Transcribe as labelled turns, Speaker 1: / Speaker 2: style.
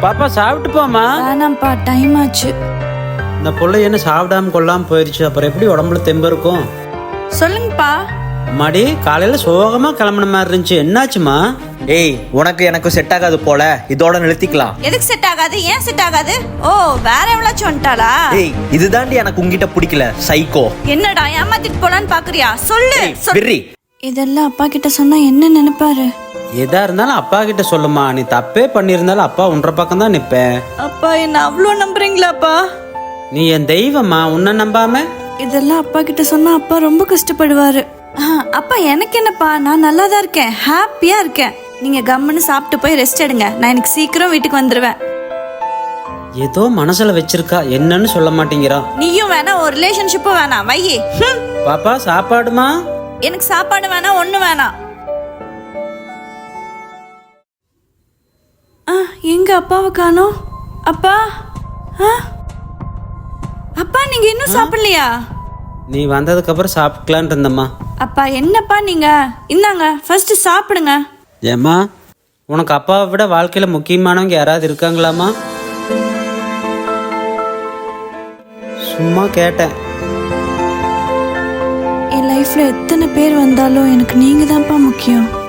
Speaker 1: பாப்பா சாப்பிட்டு போமா.
Speaker 2: வேணாம்ப்பா, டைம் ஆச்சு.
Speaker 1: இந்த புள்ள என்ன சாப்பிடாம கொள்ளாம போயிருச்சு, அப்புறம் எப்படி உடம்புல தெம்பு இருக்கும்?
Speaker 2: சொல்லுங்கப்பா.
Speaker 1: அம்மாடி காலையில சோகமா கிளம்புன மாதிரி இருந்துச்சு, என்னாச்சுமா?
Speaker 3: ஏய், உனக்கு எனக்கு செட் ஆகாது போல, இதோட நிறுத்திக்கலாம்.
Speaker 2: எதுக்கு செட் ஆகாது? ஏன் செட் ஆகாது? ஓ, வேற எவ்வளவு வந்துட்டாளா?
Speaker 3: ஏய், இதுதாண்டி எனக்கு உங்ககிட்ட பிடிக்கல, சைக்கோ.
Speaker 2: என்னடா ஏமாத்திட்டு போலான்னு பாக்குறியா? சொல்லு.
Speaker 3: விர்ரி.
Speaker 2: இதெல்லாம் அப்பா கிட்ட சொன்னா என்ன நினைப்பாரு?
Speaker 1: எதா இருந்தாலும் அப்பா கிட்ட சொல்லுமா. நீ தப்பே பண்ணியிருந்தாலும் அப்பா உன்ற பக்கம் தான் நிப்பேன்.
Speaker 2: அப்பா என்ன அவ்வளோ நம்புறீங்களாப்பா?
Speaker 1: நீ என் தெய்வமா, உன்னை நம்பாம?
Speaker 2: இதெல்லாம் அப்பா கிட்ட சொன்னா அப்பா ரொம்ப கஷ்டப்படுவாரு. அப்பா எனக்கு என்னப்பா, நான் நல்லா தான் இருக்கேன், ஹாப்பியா இருக்கேன். நீங்க கம்முன்னு சாப்பிட்டு போய் ரெஸ்ட் எடுங்க. நான் எனக்கு சீக்கிரம் வீட்டுக்கு வந்துருவேன்.
Speaker 1: ஏதோ மனசுல வச்சிருக்கா, என்னன்னு சொல்ல மாட்டேங்கிறா.
Speaker 2: நீயும் வேணாம், ஒரு ரிலேஷன்ஷிப்பும் வேணாம், வையே.
Speaker 1: பாப்பா சாப்பாடுமா?
Speaker 2: எனக்கு சாப்பாடு வேணாம், ஒண்ணு வேணாம். எங்க அப்பாவை காணோம்? அப்பா, அப்பா நீங்க இன்னும் சாப்பிடலையா?
Speaker 1: நீ வந்ததுக்கு அப்புறம் சாப்பிக்கலான் இருந்தம்மா.
Speaker 2: அப்பா என்னப்பா நீங்க, இந்தாங்க ஃபர்ஸ்ட் சாப்பிடுங்க.
Speaker 1: ஏம்மா, உனக்கு அப்பாவை விட வாழ்க்கையில முக்கியமானவங்க யாராவது இருக்காங்களாமா? சும்மா கேட்டேன்.
Speaker 2: என் லைஃப்ல எத்தனை பேர் வந்தாலும் எனக்கு நீங்க தான்ப்பா முக்கியம்.